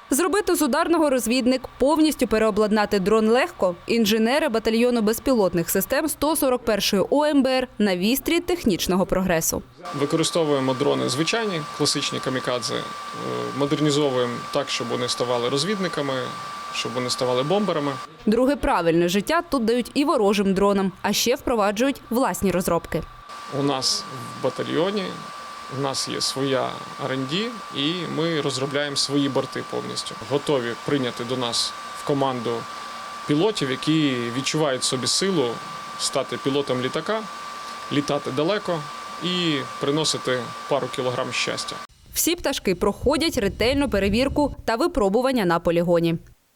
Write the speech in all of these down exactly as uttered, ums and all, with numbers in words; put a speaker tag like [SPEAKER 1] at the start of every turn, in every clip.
[SPEAKER 1] Зробити з ударного розвідник, повністю переобладнати дрон легко. Інженери батальйону безпілотних систем сто сорок першої О Ем Бе Ер на вістрі технічного прогресу.
[SPEAKER 2] Використовуємо дрони звичайні, класичні камікадзе, модернізовуємо так, щоб вони ставали розвідниками, щоб вони ставали бомберами.
[SPEAKER 1] Друге правильне життя тут дають і ворожим дронам, а ще впроваджують власні розробки.
[SPEAKER 2] У нас в батальйоні у нас є своя Ар енд Ді, і ми розробляємо свої борти повністю. Готові прийняти до нас в команду пілотів, які відчувають в собі силу стати пілотом літака, літати далеко і приносити пару кілограм щастя.
[SPEAKER 1] Всі пташки проходять ретельну перевірку та випробування на полігоні.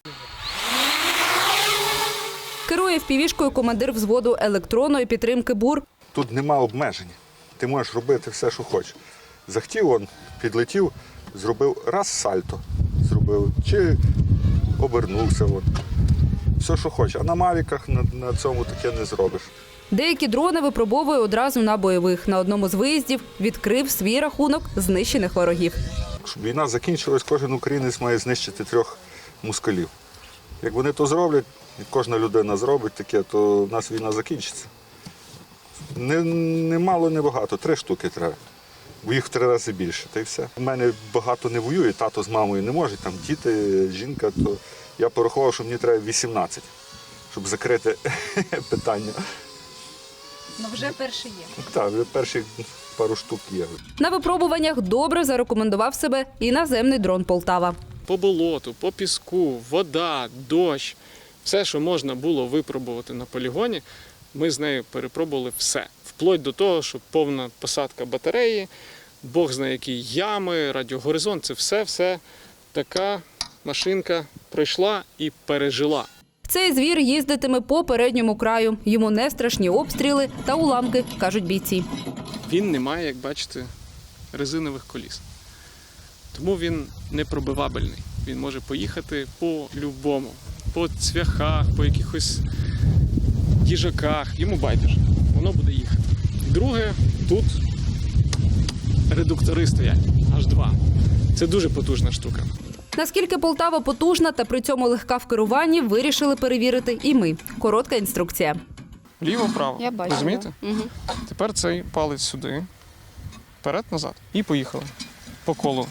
[SPEAKER 1] Керує впівішкою командир взводу електронної підтримки БУР.
[SPEAKER 3] Тут нема обмежень. Ти можеш робити все, що хочеш. Захотів, он підлетів, зробив раз сальто, зробив, чи обернувся. От. Все, що хочеш. А на мавіках на, на цьому таке не зробиш.
[SPEAKER 1] Деякі дрони випробовує одразу на бойових. На одному з виїздів відкрив свій рахунок знищених ворогів.
[SPEAKER 3] Щоб війна закінчилась, кожен українець має знищити трьох москалів. Як вони то зроблять, і кожна людина зробить таке, то в нас війна закінчиться. Не, не мало, не багато, три штуки треба. Бо їх в три рази більше, та й все. У мене багато не воює, тато з мамою не можуть, там діти, жінка, то я порахував, що мені треба вісімнадцять, щоб закрити питання.
[SPEAKER 1] Ну вже перші є.
[SPEAKER 3] Так, вже перші пару штук є.
[SPEAKER 1] На випробуваннях добре зарекомендував себе і наземний дрон «Полтава».
[SPEAKER 2] По болоту, по піску, вода, дощ, все, що можна було випробувати на полігоні, ми з нею перепробували все. Вплоть до того, що повна посадка батареї, Бог знає які ями, радіогоризонт, це все-все така машинка пройшла і пережила.
[SPEAKER 1] Цей звір їздитиме по передньому краю. Йому не страшні обстріли та уламки, кажуть бійці.
[SPEAKER 2] Він не має, як бачите, резинових коліс. Тому він непробивабельний. Він може поїхати по-любому. По цвяхах, по якихось їжаках. Йому байдуже. Воно буде їхати. Друге, тут редуктори стоять. Аж два. Це дуже потужна штука.
[SPEAKER 1] Наскільки «Полтава» потужна та при цьому легка в керуванні, вирішили перевірити і ми. Коротка інструкція.
[SPEAKER 2] Ліво-право.
[SPEAKER 1] Я бачу.
[SPEAKER 2] Розумієте?
[SPEAKER 1] Угу.
[SPEAKER 2] Тепер цей палець сюди, вперед-назад. І поїхали. По колу.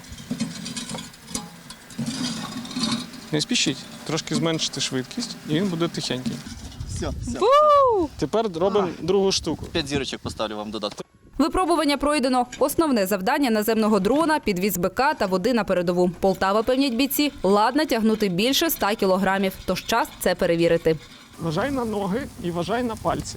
[SPEAKER 2] Не спішіть. Трошки зменшити швидкість, і він буде тихенький.
[SPEAKER 4] Все, все.
[SPEAKER 2] Тепер робимо другу штуку.
[SPEAKER 4] П'ять зірочок поставлю вам додатку.
[SPEAKER 1] Випробування пройдено. Основне завдання наземного дрона – підвіз БК та води на передову. «Полтава», певнять бійці, ладна тягнути більше ста кілограмів. Тож час це перевірити.
[SPEAKER 2] Вважай на ноги і вважай на пальці.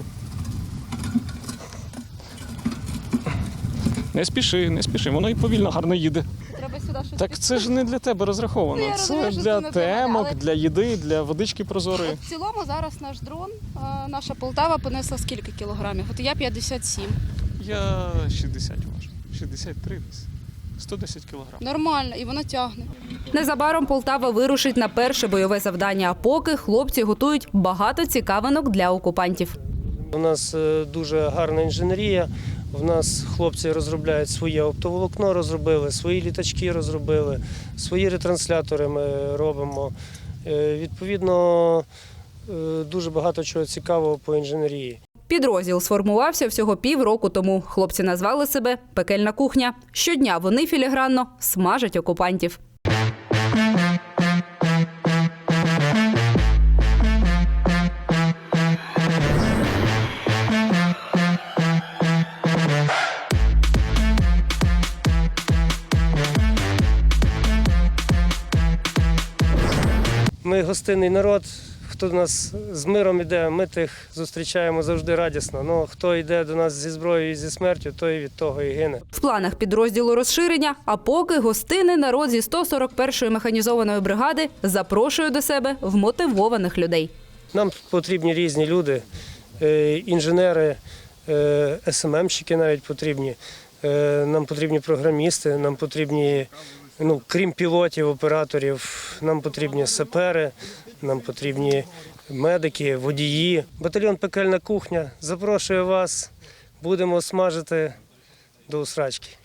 [SPEAKER 2] Не спіши, не спіши, воно і повільно гарно їде.
[SPEAKER 5] Треба сюди щось.
[SPEAKER 2] Так це ж не для тебе розраховано.
[SPEAKER 5] Ну, я
[SPEAKER 2] це
[SPEAKER 5] розумію, що
[SPEAKER 2] для
[SPEAKER 5] це не для мене,
[SPEAKER 2] темок,
[SPEAKER 5] але-
[SPEAKER 2] для їди, для водички прозорої.
[SPEAKER 5] От в цілому зараз наш дрон, а, наша Полтава понесла скільки кілограмів? От я п'ятдесят сім.
[SPEAKER 2] Я шістдесят важу. шістдесят три десь. сто десять кілограм.
[SPEAKER 5] Нормально, і воно тягне.
[SPEAKER 1] Незабаром «Полтава» вирушить на перше бойове завдання, а поки хлопці готують багато цікавинок для окупантів.
[SPEAKER 6] У нас е, дуже гарна інженерія. У нас хлопці розробляють своє оптоволокно, розробили, свої літачки розробили, свої ретранслятори ми робимо. Е, Відповідно, е, дуже багато чого цікавого по інженерії.
[SPEAKER 1] Підрозділ сформувався всього півроку тому. Хлопці назвали себе «Пекельна кухня». Щодня вони філігранно смажать окупантів.
[SPEAKER 6] Ми гостинний народ. Хто до нас з миром іде, ми тих зустрічаємо завжди радісно. Ну, хто йде до нас зі зброєю і зі смертю, той від того і гине.
[SPEAKER 1] В планах підрозділу розширення, а поки гостинний народ зі сто сорок першої механізованої бригади запрошує до себе вмотивованих людей.
[SPEAKER 6] Нам потрібні різні люди, е, інженери, е, ес ем емщики навіть потрібні, е, нам потрібні програмісти, нам потрібні, ну, крім пілотів, операторів, нам потрібні сапери, нам потрібні медики, водії. Батальйон «Пекельна кухня» запрошує вас, будемо смажити до усрачки.